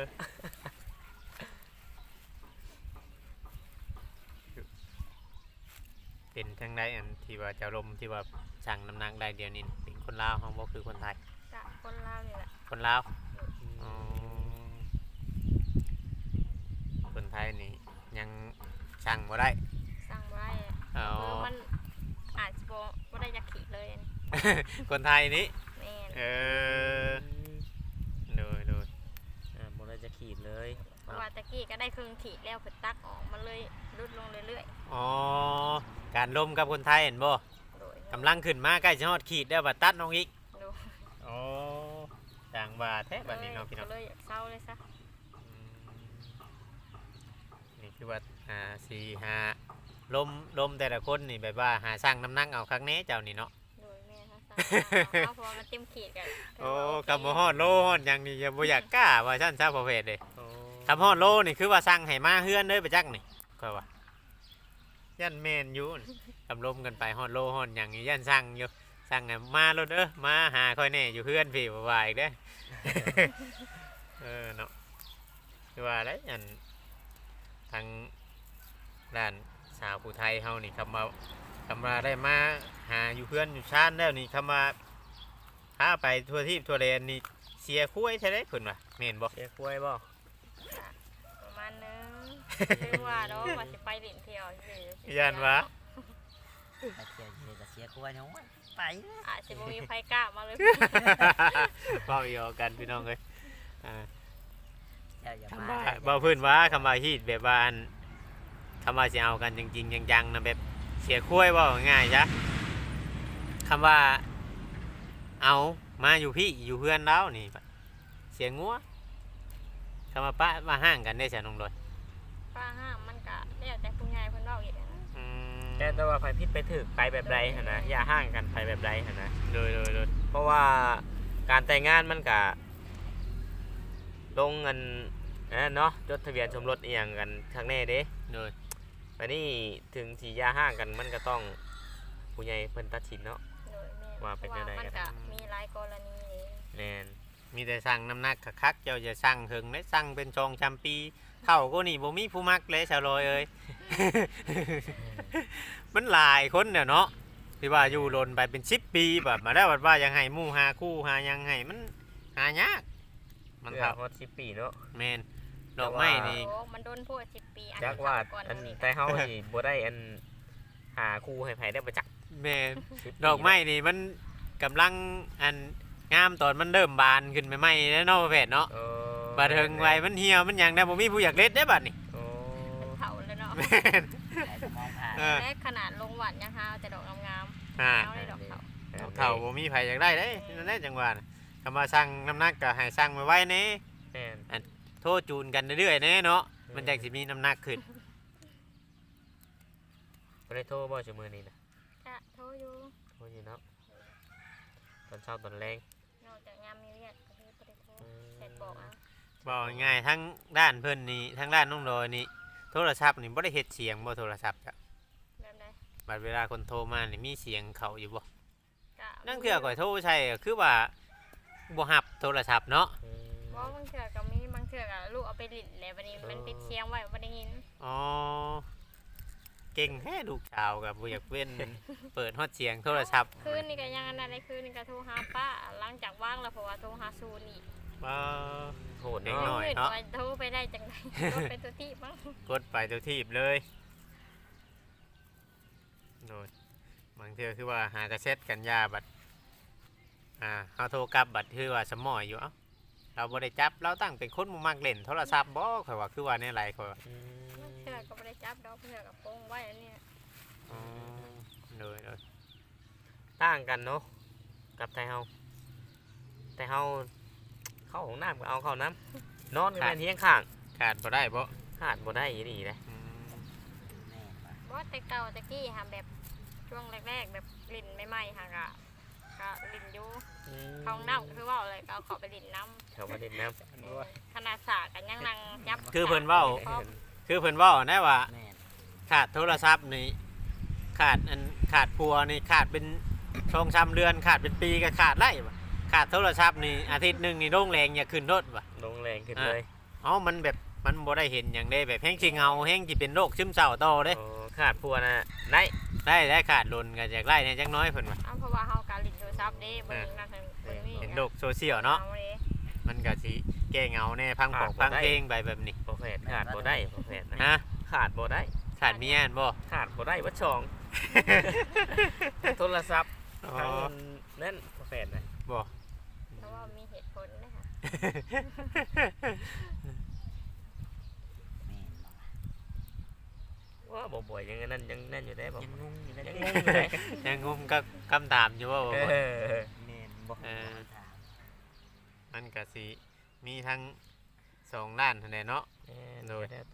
[SPEAKER 2] เป็นทั้งใดอันที่ว่าเจ้าลมที่ว่าสั่งน้ำหนักได้เดียวนี้เป็นคนลาวเฮาบ่คือคนไทย
[SPEAKER 3] กะคนลาวนี่แหละ
[SPEAKER 2] คนลาวอ๋อคนไทยนี่ยังสั่งบ่ได้
[SPEAKER 3] สั่งบ่ได้
[SPEAKER 2] อ๋อ
[SPEAKER 3] เออมันอาจสิบ่บ่ได้จักขีดเลยอัน
[SPEAKER 2] คนไทยนี่
[SPEAKER 3] แม่น
[SPEAKER 2] เออโดยโดย
[SPEAKER 4] อ่าบ่ได้จะขีดเลย
[SPEAKER 3] เพราะว่าตะกี้ก็ได้ครึ่งขีดแล้วเพิ่นตักออกมันเลยลดลงเรื่อย
[SPEAKER 2] อ๋อการลมกับคนไทยเห็นบ่
[SPEAKER 3] ๆโดย
[SPEAKER 2] กำลังขึ้นมาใกล้จะฮอดขีดแล้วบัดตัดน้องอีก
[SPEAKER 3] โดย
[SPEAKER 2] อ๋อต่างบาทแท้บัดนี้เนาะพี่น้อง
[SPEAKER 3] ก็เลยอยากเศร้าเลยซะ
[SPEAKER 2] อืมนี่คือว่าหาสี่หาลมลมแต่ละคนนี่แบบว่าหาสร้างน้ำหนักเอาครั้งนี้เจ้านี่เนาะ
[SPEAKER 3] โดยแม่ถ้าสั่งเอาเพราะว่ามันเต็มขีดกัน
[SPEAKER 2] โอ้กับบ่ฮอดโลฮอดหยังนี่อย่าบ่อยากกล้าว่าซั่นซะประเภทเด้
[SPEAKER 4] โอ้
[SPEAKER 2] ทำฮอดโลนี่คือว่าสั่งให้มาเฮือนเด้อไปจักนี่ก็ว่ายันแม่นอยู่นี่กำลมกันไปฮอดโลฮอดหยังนี่ยันสั่งอยู่สั่งให้มาโลดเด้อมาหาค่อยแน่อยู่เฮือนพี่บ่ว่าอีกเด้อ เออเนาะคือว่าได้อันทางด้านสาวผู้ไทยเฮานี่คำว่าคำว่าได้มาหาอยู่เพื่อนอยู่ชานแล้วนี่คำว่าพาไปทั่วที่ทั่วแดนนี่เสียคุ้ยใช่ได้เพิ่นว่าแม่นบ่
[SPEAKER 4] เสียกล้วยบ่
[SPEAKER 3] ประมาณนึงหรือว่าเนาะว่าสิไปเล่นเที่ยวสิ
[SPEAKER 2] ย่านว่า
[SPEAKER 5] ไปเที่ยวเที่ยวก็เสียกลัวเนาะไป
[SPEAKER 3] อาจสิบ่มีไผกล้ามาเลย
[SPEAKER 2] เว้าอีกเอากันพี่น้องเอ้ยอ่า
[SPEAKER 5] เจ้าอย่า
[SPEAKER 2] คำ
[SPEAKER 5] มา
[SPEAKER 2] ว่าบ่เพิ่นว่าคำว่าฮีดแบบว่าอันคำว่าสิเอากันจริงๆจังๆนะแบบเสียคุ้ยเว้าง่ายๆจ้ะคำว่าเอามาอยู่พี่อยู่เพื่อนแล้วนี่เสียงัวคำว่าปะมาห่างกันได้ใช่น้องโดย
[SPEAKER 3] ป้าห้ามมันก็แล้วแต่ผู้ใหญ่เพิ่นเว้าอีกนะ
[SPEAKER 2] อืม
[SPEAKER 4] แต่แต่ว่าไผผิดไปถึกไปแบบใดหั่นนะอย่าห่างกันไปแบบใดหั่นนะ
[SPEAKER 2] โดยโดยโดย
[SPEAKER 4] เพราะว่าการแต่งงานมันก็ลงเงินนะเนาะจดทะเบียนสมรสอีหยังกันครั้งแน่เด้
[SPEAKER 2] โดย
[SPEAKER 4] บัดนี้ถึงสิอย่าห่างกันมันก็ต้องผู้ใหญ่เพิ่นตัดสินเนาะ
[SPEAKER 3] โดยแม่
[SPEAKER 4] ว่าเป็น
[SPEAKER 3] พ
[SPEAKER 4] จั
[SPEAKER 3] ระ
[SPEAKER 4] งใด
[SPEAKER 3] มัน
[SPEAKER 4] กัน
[SPEAKER 3] ก็มีหลายกรณีเด้
[SPEAKER 4] แน่น
[SPEAKER 2] มีแต่สั่งน้ำหนักคักๆเจ้าจะสั่งถึงได้สั่งเป็นชองจำปีเท่าก็นี่บ่มีผู้มักเลยชาวลอยเอ้ย มันหลายคนเนี่ยเนาะที่ว่าอยู่ลนไปเป็นสิบปีแบบมาได้วว่ายังให้หมู่หาคู่หายังให้มันหายากมัน
[SPEAKER 4] เพื่อ
[SPEAKER 2] เท่า
[SPEAKER 4] ฮอดสิบปีเนาะ
[SPEAKER 2] แมนดอกไม้นี่
[SPEAKER 3] โอ้มันโดนโพดสิบปีอัน
[SPEAKER 4] จักว่า
[SPEAKER 3] ก่อน
[SPEAKER 4] อัน
[SPEAKER 3] นี้
[SPEAKER 4] แต่เฮาสิบ่ได้อันหาคู่ให้ไผได้ประจักษ์
[SPEAKER 2] แมน
[SPEAKER 4] สิบปี
[SPEAKER 2] ดอกไม้นี่มันกำลังอันงามตอนมันเริ่มบานขึ้นใหม่ๆแล้วเนาะประเภทเนาะ
[SPEAKER 4] เออบ
[SPEAKER 2] าดเทิงไว้มันเหี่ยวมันหยังได้บ่มีผู้อยากเล่นได้บัดนี่
[SPEAKER 4] โอ้
[SPEAKER 3] มันเผาแล้วเนาะ
[SPEAKER 2] แมน
[SPEAKER 5] แต่จะมองผ่าน
[SPEAKER 2] เออ
[SPEAKER 3] และขนาดลงหวัดยังหาแต่ดอกงาม
[SPEAKER 2] อ่า
[SPEAKER 3] ๆเอาได้ดอกเผา
[SPEAKER 2] ดอกเท่าบ่มีไผอยากได้เด้นั่นแหละจังหวะน่ะคำว่าสั่งน้ำหนักก็ให้สั่งไว้ๆแหน่
[SPEAKER 4] แม่น
[SPEAKER 2] โทษจูนกันเรื่อยๆแหน่เนาะมันจังสิมีน้ำหนักขึ้น
[SPEAKER 4] บ่ได้โทรบ่ชั่วมื้อนี้นะ
[SPEAKER 3] จะโทรอยู่
[SPEAKER 4] โทรอยู่เนาะตอนเช้าตอนแรง
[SPEAKER 3] นอกจากงามมีเรียกก็คือบ่ได้โทรแชทบอกเอา
[SPEAKER 2] บอกง่ายๆทั้งด้านเพิ่นนี่ทั้งด้านน้องดอยนี่โทรศัพท์นี่บ่ได้เฮ็ดเสียงบ่โทรศัพท์จ้ะ
[SPEAKER 3] แบบใด
[SPEAKER 2] บัดเวลาคนโทรมานี่มีเสียงเข้าอยู่บ่
[SPEAKER 3] ก็
[SPEAKER 2] นั่นคือก่อยโทรใช่ก็คือว่าบ่รับโทรศัพท์เนาะ
[SPEAKER 4] อืม
[SPEAKER 3] บ่บางเทื่อก็มีบางเทื่อก็ลูกเอาไปลิ้นแล้วบัดนี้มันปิดเสียงไว้บ่ได้ยิน
[SPEAKER 2] อ๋อเก่งแท้ลูกสาวกับบ่อยากเว้น เปิดฮอดเสียงโทรศัพท์
[SPEAKER 3] คืนนี้ก็ยังอันนั้นได้คืนนี้ก็โทรหาป้าหลังจากว่างแล้วเพราะว่าโทรหาซูนอีก
[SPEAKER 2] บ่
[SPEAKER 4] โหด
[SPEAKER 2] เด็ก
[SPEAKER 4] เนาะ
[SPEAKER 2] น้อย
[SPEAKER 3] มืด
[SPEAKER 2] เนาะ
[SPEAKER 3] ว่าโทรไปได้จังได๋โทรเป็นตัวที่มั้ง
[SPEAKER 2] กดไปตัวทีบเลยโดยบางเทื่อคือว่าหากระเซ็ตกันยาบัดอ่าเฮาโทรกลับบัดคือว่าสมอยอยู่เอ้าเราบ่ได้จับเราตั้งเป็นคนบ่มักเล่นโทรศัพท์บ่ข่อยว่าคือว่าแนวไรข่อยว่า
[SPEAKER 4] อืม
[SPEAKER 3] เพื่อก็ไม่ได้จับดอกเพื่อกับโป้งไว้อันเนี้ย
[SPEAKER 2] อ๋อเลยเลย
[SPEAKER 4] ต่างกันเนาะกับไทยเฮาแต่เฮาเข้าของน้ำก็เอาเข้าน้ำนอนก็แม่นเฮียงข้าง
[SPEAKER 2] ขาดบ่ได้บ่
[SPEAKER 4] ขาดบ่ได้อีนี่เลย
[SPEAKER 2] อืม
[SPEAKER 5] แม่นบ่
[SPEAKER 3] เพราะแต่เก่าแต่กี้ค่ะแบบช่วงแรกๆแบบลิ่นใหม่ๆค่ะก็ก็ลิ่นอยู่เขาน้ำก็คือว่าอะไรก็เอาเขาไปลิ่นน้
[SPEAKER 4] เขามาเล่นน้
[SPEAKER 3] ำขนาดสากันยังนั่งยับ
[SPEAKER 2] คือเพิ่นเว้า
[SPEAKER 3] พร้อม
[SPEAKER 2] คือเพิ่นเว้านะว่า
[SPEAKER 5] แม่น
[SPEAKER 2] ขาดโทรศัพท์นี่ขาดอันขาดพัวนี่ขาดเป็นช่องช้ำเดือนขาดเป็นปีก็ขาดไล่บ่ขาดโทรศัพท์นี่อาทิตย์หนึงนี่โรงแรงอย่าขึ้นรถบ่
[SPEAKER 4] ำลงแรงขึ้นเลย
[SPEAKER 2] เอ้ามันแบบมันบ่ได้เห็นอย่างได้แบบแห้งสิเงาแห้งสิเป็นโรคซึมเศร้าต่อเด้
[SPEAKER 4] โอ้ขาดพัวนะได้
[SPEAKER 2] ได้ได้ขาดลนก็จากไล่เนี่ยจักหน้อยเพิ่นว่า
[SPEAKER 3] เอาเพราะว่าเขาการลิ่นโทรศัพท์เด้เบิ่งนั่นเบิ่งนี่
[SPEAKER 2] เห็นโลกโซเชียลเนาะ
[SPEAKER 3] อด้
[SPEAKER 2] มันก็สิแก้เหงาแน่พังของพังเพลงไปแบบนี้
[SPEAKER 4] พอแฟดขาดบ่ได้พอแฟดนะ
[SPEAKER 2] ฮะ
[SPEAKER 4] ขาดบ่ได้
[SPEAKER 2] ขาดเมียนบ่
[SPEAKER 4] ขาดบ่ได้วัดช่อง โทรศัพท์
[SPEAKER 2] อ๋อ
[SPEAKER 4] ทางนั่นพอแฟดนะ
[SPEAKER 2] บ่
[SPEAKER 3] เพราะว่ามีเหตุผลนะคะ
[SPEAKER 5] แม่นบ่
[SPEAKER 4] ว่าบ่บ่อยยังนั่นยังนั่นอยู่ได้บ่
[SPEAKER 5] ยังงงอยู่เลย
[SPEAKER 4] ยัง
[SPEAKER 5] เด้
[SPEAKER 4] งงอยู่ได้
[SPEAKER 2] ยังงุมกับคำถามอยู่ว่าบ่
[SPEAKER 4] เอ
[SPEAKER 2] บ่
[SPEAKER 4] อ
[SPEAKER 5] แม่นบ่
[SPEAKER 2] เออ
[SPEAKER 5] ถาม
[SPEAKER 2] มันก็สิมีทั้งสองด้านนั่นแหละเนาะ
[SPEAKER 4] โดยแต่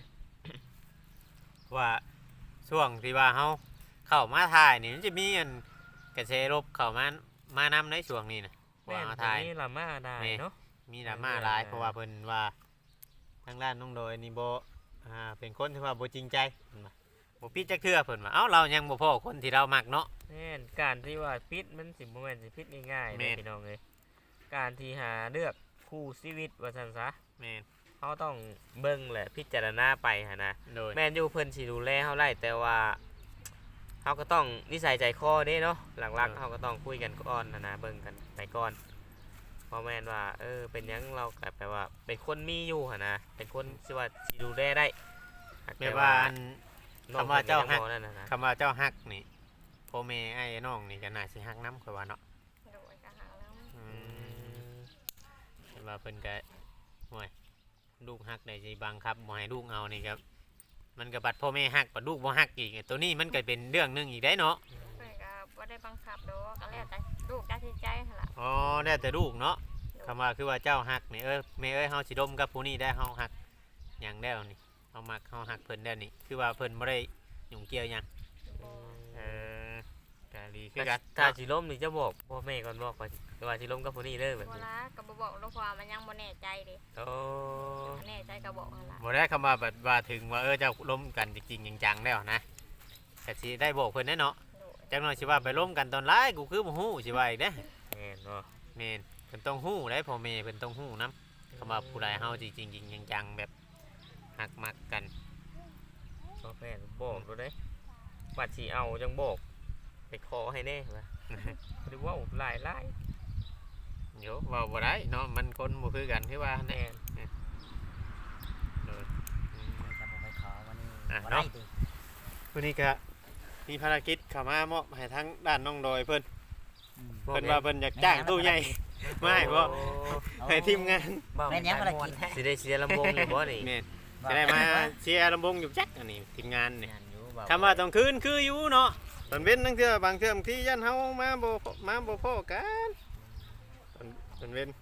[SPEAKER 2] ว่าช่วงที่ว่าเฮาเข้ามาถ่ายนี่มันจะมีอันกระแสลบเข้ามามานำในช่วงนี้นะ
[SPEAKER 4] แม่
[SPEAKER 2] ว่าเฮา
[SPEAKER 4] ตร
[SPEAKER 2] ถ่าง ย
[SPEAKER 4] นี้ละมาได้
[SPEAKER 2] แม่
[SPEAKER 4] เนาะ
[SPEAKER 2] มีดราม่าหลายเพราะว่าเพิ่นว่าทางด้านน้องโดยนี่บ่อ่าเป็นคนที่ว่าบ่จริงใจเพิ่นว่าบ่ปิดจักเทื่อเพิ่นว่าเอ้าเรายังบ่พอคนที่เรามักเนาะ
[SPEAKER 4] แม่นการที่ว่าพิษมันสิบ่แม่นสิพิษง่ายๆ
[SPEAKER 2] แม่
[SPEAKER 4] นะ
[SPEAKER 2] น
[SPEAKER 4] พี่น้องเอ้ยการที่หาเลือกคู่ชีวิตว่าซั่นซะ
[SPEAKER 2] แม่น
[SPEAKER 4] เขาต้องเบิ่งแหละพิจารณาไปหั่นนะ
[SPEAKER 2] โดย
[SPEAKER 4] แม่นอยู่เพิ่นสิดูแลเฮาได้แต่ว่าเฮาก็ต้องนิสัยใจคอเด้เนาะหลักๆเฮาก็ต้องคุยกันก่อนนะนะเบิ่งกันไปก่อนเพราะแม่นว่าเออเป็นหยังเราก็แปลว่าเป็นคนมีอยู่หั่นนะเป็นคนสิว่าสิดูแลได้หก
[SPEAKER 2] แม่ว่าอัน
[SPEAKER 4] น้อง
[SPEAKER 2] คำว่าเจ้าฮัก
[SPEAKER 4] พิ่นยังบ่นั่นน่ะนะ
[SPEAKER 2] คำว่าเจ้าฮักนี่พ่อแม่ไอ้น้องนี่ก็น่าสิฮักนำข่อยว่าเนาะ
[SPEAKER 3] โดยกระหังแล้ว
[SPEAKER 2] อื
[SPEAKER 4] อื
[SPEAKER 2] ม
[SPEAKER 4] ม
[SPEAKER 2] เห็นว่าเพิ่นก็ห่วยลูกฮักได้สิบังคับบ่ให้ลูกเอานี่ครับมันก็บัดพ่อแม่ฮักบัดลูกบ่ฮักอีกตัวนี้มันก็เป็นเรื่องหนึงอีกได้เนาะ
[SPEAKER 3] เพื่อนก็บ่ได้บังคับดอกก็แล้วแต่ลูกตัดสินใจหั่นล่ะ
[SPEAKER 2] อ๋อแล้วแต่ลูกเนาะคำว่าคือว่าเจ้าฮักนี่เอ้ยแม่เอ้ยเฮาสิดมกับผู้นี้ได้เฮาฮักหยังแล้วนี่เฮามักเฮาฮักเพิ่นแล้วนี่คือว่าเพิ่นบ่ได้ยุ่งเกี่ยวหยัง
[SPEAKER 3] บ่
[SPEAKER 2] เออก็ดีคือกัน
[SPEAKER 4] ถ้าสิล้มนี่จะบอกพ่อแม่ก่อนบอกว่าว่าสิล้มกับผู้นี้เด้อแบบ
[SPEAKER 3] บ่
[SPEAKER 4] นี้
[SPEAKER 3] ละก็บ่บอกลูกว่ามันยังบ่แน่ใจเดิ
[SPEAKER 4] โอ้
[SPEAKER 3] แน่ใจก็บอกหั่นล่ะ
[SPEAKER 2] บ่ได้คำว่าแบบว่าถึงว่าเออเจ้าล้มกันจริงๆจังๆแล้วนะก็สิได้บอกเพิ่นแน่เนาะ
[SPEAKER 3] โดย
[SPEAKER 2] จังหน่อยสิว่าไปล้มกันตอนร้ายกูคือบ่ฮู้สิว่าอีกเด้
[SPEAKER 4] แม่นบ่
[SPEAKER 2] แม่นเพิ่นต้องฮู้ได้พ่อแม่เพิ่นต้องฮู้นํคำว่าผู้ใดเฮาจริงๆจังๆแบบฮักมักกัน
[SPEAKER 4] พ่อแม่บอกดูได้บัดสิเอาจังบอกไปขอให้แน่ว่าหรือว่าหลายหลาย
[SPEAKER 2] เดี๋ยวเว้าบ่ได้เนาะมันคนบ่คือกันคือว่า
[SPEAKER 4] แน่
[SPEAKER 2] แน่เอออืม
[SPEAKER 5] จะบ่ไปขอวันนี้
[SPEAKER 2] อ่ะ
[SPEAKER 5] บ่
[SPEAKER 2] เนาะ
[SPEAKER 5] ได้ติ
[SPEAKER 2] วันนี้ก็มีภารกิจเข้ามามอบให้ทั้งด้านน้องดอยเพิ่น
[SPEAKER 5] อืม
[SPEAKER 2] เพิ่นว่าเพิ่นอยากจ้างตู้ใหญ่ ไม่ให้บ่ ให้ทีมงาน
[SPEAKER 5] แม่นยังบ่ได้กิน
[SPEAKER 4] สิได้เสียลำวงอยู่บ่นี่
[SPEAKER 2] แม่นจะได้มาเชียร์ลำวงอยู่จักอันนี้ทีมงานนี่
[SPEAKER 5] งานอยู่บ่
[SPEAKER 2] คำว่าต้องคืนคืออยู่เนาะตอนเว้นนั่งเทื่อบางเทื่อบางทียันเฮามาบ่มาบ่พอกันตอนตอนเว้น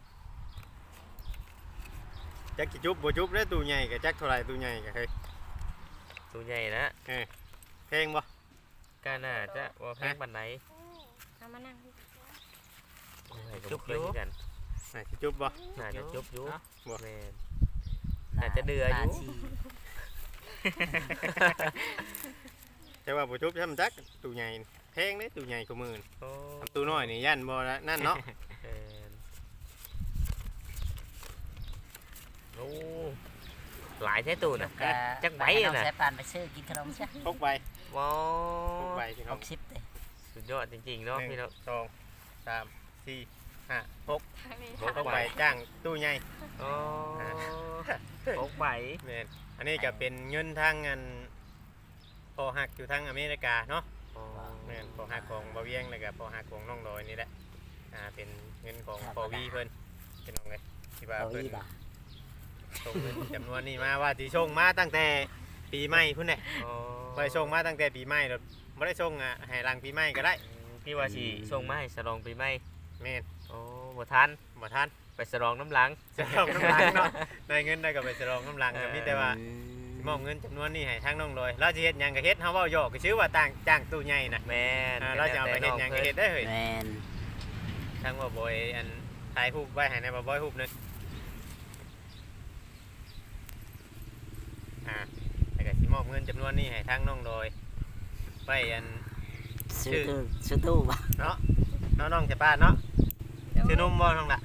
[SPEAKER 2] จักสิจุบบ่จุบได้อตู้ใหญ่ก็จักเท่าไหร่ตู้ใหญ่ก็เฮ้ย
[SPEAKER 4] ตัวใหญ่นะ
[SPEAKER 2] แพงบ่
[SPEAKER 4] ก็น่าจะว่าแพงปานไหน
[SPEAKER 3] เอามานั่ง
[SPEAKER 4] จุบอยู่กัน
[SPEAKER 2] น่าสิจุบบ่
[SPEAKER 4] น่าจะจุบอยู่
[SPEAKER 2] บ่
[SPEAKER 4] แม่น น่าจะเดืออยู่
[SPEAKER 5] ตาชี
[SPEAKER 2] แต่ว่าบ่จุบซ้ำจักตู้ใหญ่แพงเด้อตู้ใหญ่กว่าหมื่น
[SPEAKER 4] โอ้
[SPEAKER 2] ตู้น้อยนี่ยันบ่ละนั่นเนาะ
[SPEAKER 4] แม่นโอ้หลายแท้ตู้น่ะ
[SPEAKER 5] ก็
[SPEAKER 4] จักใบ
[SPEAKER 5] ให้
[SPEAKER 4] อะ
[SPEAKER 5] น้อง
[SPEAKER 4] น่ะ
[SPEAKER 5] สายปานไปซื้อกินขนมซะ
[SPEAKER 2] พกใบ
[SPEAKER 4] ว้า
[SPEAKER 2] พก
[SPEAKER 4] ว
[SPEAKER 2] ใบพี่น้
[SPEAKER 5] ห
[SPEAKER 2] อง
[SPEAKER 5] กสิบเด้
[SPEAKER 4] สุดยอดจริงๆเนาะพี่น้อง
[SPEAKER 2] สองสามสี่ห้าหก
[SPEAKER 3] ทางนี้
[SPEAKER 4] โอ้
[SPEAKER 2] พกใบจ้างตู้ใหญ่
[SPEAKER 4] โอ้พกใบ
[SPEAKER 2] แม่นอันนี้ก็เป็นเงินทางเงินพอหักอยู่ทางอเมริกาเนาะ
[SPEAKER 4] โอ้
[SPEAKER 2] แม่นพอหักของบ่าวเวียงแล้วก็พอหักของน้องดอยนี่แหละอ่าเป็นเงินของพอวีเพิ่นพี่น้องเลยที่ว่า
[SPEAKER 5] เอา
[SPEAKER 2] เพิ่น
[SPEAKER 5] อีกอ่ะ
[SPEAKER 2] ส่งเงินจำนวนนี้มาว่าสิส่งมาตั้งแต่ปีใหม่พุ่นแหละ
[SPEAKER 4] อ๋อ
[SPEAKER 2] บ่ได้ส่งมาตั้งแต่ปีใหม่แล้วบ่ได้ส่งอ่ะให้หลังปีใหม่ก็ได้
[SPEAKER 4] พี่ว่าสิส่งมาให้ฉลองปีใหม่
[SPEAKER 2] แม่น
[SPEAKER 4] โอ้บ่ทัน
[SPEAKER 2] บ่ทัน
[SPEAKER 4] ไปฉลองน้ำหลัง
[SPEAKER 2] จะลองน้ำลังเนาะได้เงินได้ก็ไปฉลองน้ำลังก็มีแต่ว่า
[SPEAKER 5] อืม
[SPEAKER 2] มอบเงินจำนวนนี้ให้ทางน้องโดยเราจะเฮ็ดหยังก็เฮ็ดเฮาเว้าหยอกก็ชื่อว่าต่างจ้างตู้ใหญ่น่ะ
[SPEAKER 4] แม่น
[SPEAKER 2] อ่าเราจะเอาไปเฮ็ดหยังก็เฮ็ดได้เฮ้ย
[SPEAKER 5] แมน
[SPEAKER 2] ทางว่าบอยอันถ่ายรูปไว้ให้ในบ่บอยรูปหนึงอ่าแล้วก็สิมอบเงินจำนวนนี้ให้ทางน้องโดยไว้อัน
[SPEAKER 5] ซื้อตู้ซื้อตู้บ่
[SPEAKER 2] เนาะน้องๆจะป้าเนาะชื่อนุ่มบ่น้องล่ะ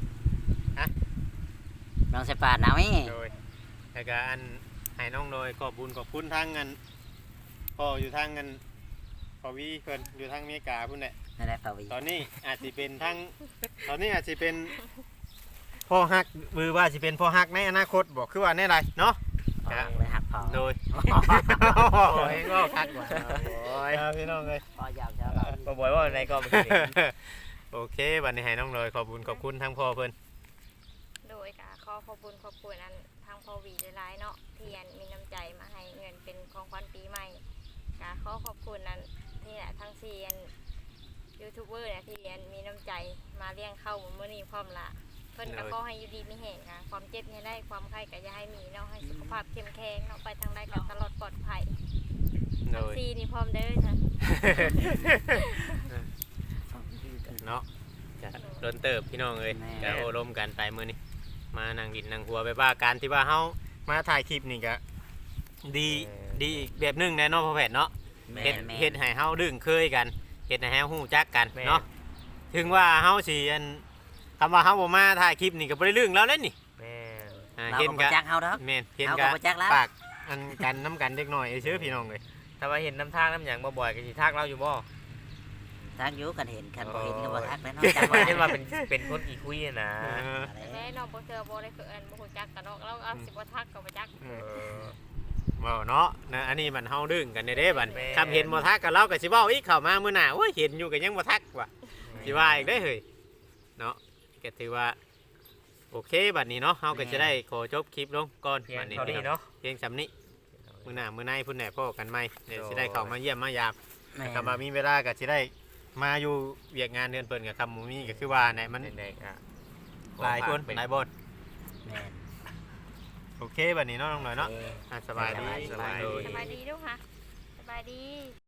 [SPEAKER 5] น้องใส่ปาดหนาวนี่
[SPEAKER 2] โดยแล้วก็อันให้น้องโดยขอบบุญขอบคุณทางเงินพ่ออยู่ทางเงินพ่อวีเพิ่นอยู่ทางอเมริกาพุ่นแหละ
[SPEAKER 5] นั่นแหละเปล่าวี
[SPEAKER 2] ตอนนี้อาจสิเป็นทางตอนนี้อาจสิเป็นพ่อฮักมือว่าสิเป็นพ่อฮักในอนาคตบอกคือว่าแน่ไรเนาะ
[SPEAKER 5] ออกเลยหักพอ
[SPEAKER 2] โดย
[SPEAKER 5] โอ้ยก็คักกว่า
[SPEAKER 4] โอ้ย
[SPEAKER 2] ครับพี่น้องเลย
[SPEAKER 5] พอยาวเช้าเรา
[SPEAKER 4] บ่บ่อยว่าในก็บ่ได้
[SPEAKER 2] โอเควันนี้ให้น้องเลยขอบคุณขอบคุณทั้งพ่อเพิ่น
[SPEAKER 3] โดยกะขอขอบคุณขอบคุณอันทางพอวีหลายๆเนาะที่อันมีน้ำใจมาให้เงินเป็นของขวัญปีใหม่กะขอขอบคุณนั้นนี่แหละทั้งสี่อันยูทูบเบอร์เนี่ยที่อันมีน้ำใจมาเลี้ยงเข้ามื้อนี้พร้อมละเพิ่นก็ขอให้อยู่ดีมีแห่งค่ะความเจ็บเนี่ยได้ความไข้ก็อย่าให้มีเนาะให้สุขภาพเข้มแข็งเนาะไปทางใดก็ตลอดปลอดภัย
[SPEAKER 2] โด
[SPEAKER 3] ทั้ง
[SPEAKER 2] ย
[SPEAKER 3] สี่นี่พร้อมเด้อจ้ะ
[SPEAKER 2] เนาะจะโดนเติบพี่น้องเลยจะโอลมกันไปมื้อนี้มานั่งดินนั่งหัวไปว่าการที่ว่าเฮามาถ่ายคลิปนี่ก็ดีดีอีกแบบหนึงแน่เนาะพ่อแพทย์เนาะ
[SPEAKER 5] แม
[SPEAKER 2] เฮ็ด
[SPEAKER 5] นแมน
[SPEAKER 2] เฮ็ดให้เฮาดึงเคยกันเฮ็ดให้เฮาฮู้จักกัน
[SPEAKER 4] แม่น
[SPEAKER 2] เนาะถึงว่าเฮาสิอันคำว่าเฮาบ่มาถ่ายคลิปนี่ก็บ่ได้เรื่องแล้วเด้นี่
[SPEAKER 4] แม่น
[SPEAKER 2] อ่า
[SPEAKER 5] เรา
[SPEAKER 2] เห็น
[SPEAKER 5] ก็
[SPEAKER 2] กั
[SPEAKER 5] บ่จักเฮาดอก
[SPEAKER 2] แม่นเห็น
[SPEAKER 5] เฮา
[SPEAKER 2] กั
[SPEAKER 5] ก็บ่จักแล้ว
[SPEAKER 2] ปากอันกันน้ำกันเด็กน้อยเชื่อพี่น้องเลย
[SPEAKER 4] ถ้าว่าเห็นน้ำทางน้ำหยังบ่บ่อยก็สิทักเราอยู่บ่
[SPEAKER 5] ทักอยู่กันเห็นกันบ่เห็นก็บ่ทักแล้วเนาะ
[SPEAKER 4] จั
[SPEAKER 5] จั
[SPEAKER 4] ง
[SPEAKER 5] ก
[SPEAKER 4] ว่า
[SPEAKER 5] ว่า
[SPEAKER 4] เห็นว่าเป็นเป็นคนขี้คุยอะนะ
[SPEAKER 2] เออ
[SPEAKER 3] แม่น้องบ่เจอบ่ได้คืออันบ่ฮู้จักกันเนาะเราเอาสิบ่ทักก็บ่จัก
[SPEAKER 2] เอ
[SPEAKER 4] เอ
[SPEAKER 2] อ
[SPEAKER 4] อ
[SPEAKER 2] เว้าเนาะนะอันนี้มันเฮาดึงกันเด้ๆบัด
[SPEAKER 4] แม่น
[SPEAKER 2] คำเห็นบ่ทักกับเราก็สิเว้าอีกเข้ามามื้อหน้าโอ้ยเห็นอยู่ก็ยังบ่ทักว่ะสิว่าอีกได้อเฮ้ยเนาะก็ถือว่าโอเคบัดนี้เนาะเฮาก็จะได้ขอจบคลิปลงก่อน
[SPEAKER 4] เพีย
[SPEAKER 2] บั
[SPEAKER 4] ง
[SPEAKER 2] ดนี้
[SPEAKER 4] เท่านี้เนาะ
[SPEAKER 2] เพียงสำนี้มื้อหน้ามื้อในพุ่นแหน่พ่อกันใหม่เดี๋ยวสิได้เข้ามาเยี่ยมมายาม
[SPEAKER 5] แม่น
[SPEAKER 2] คำว่ามีเวลาก็สิได้มาอยู่เวียกงานเดือนเปิ่นกับคำหมูมีก็คือว่าเนี่ยมัน
[SPEAKER 4] เด็กๆอ่ะ
[SPEAKER 2] หลายคน
[SPEAKER 4] เป็น
[SPEAKER 2] หลายบท
[SPEAKER 5] แม่น
[SPEAKER 2] โอเคบัดนี้เนาะน้องหน่อยเนาะ
[SPEAKER 5] เออ
[SPEAKER 2] อ่ะสบายดี
[SPEAKER 4] สบายดี
[SPEAKER 3] สบายดีลูกค่ะสบายดี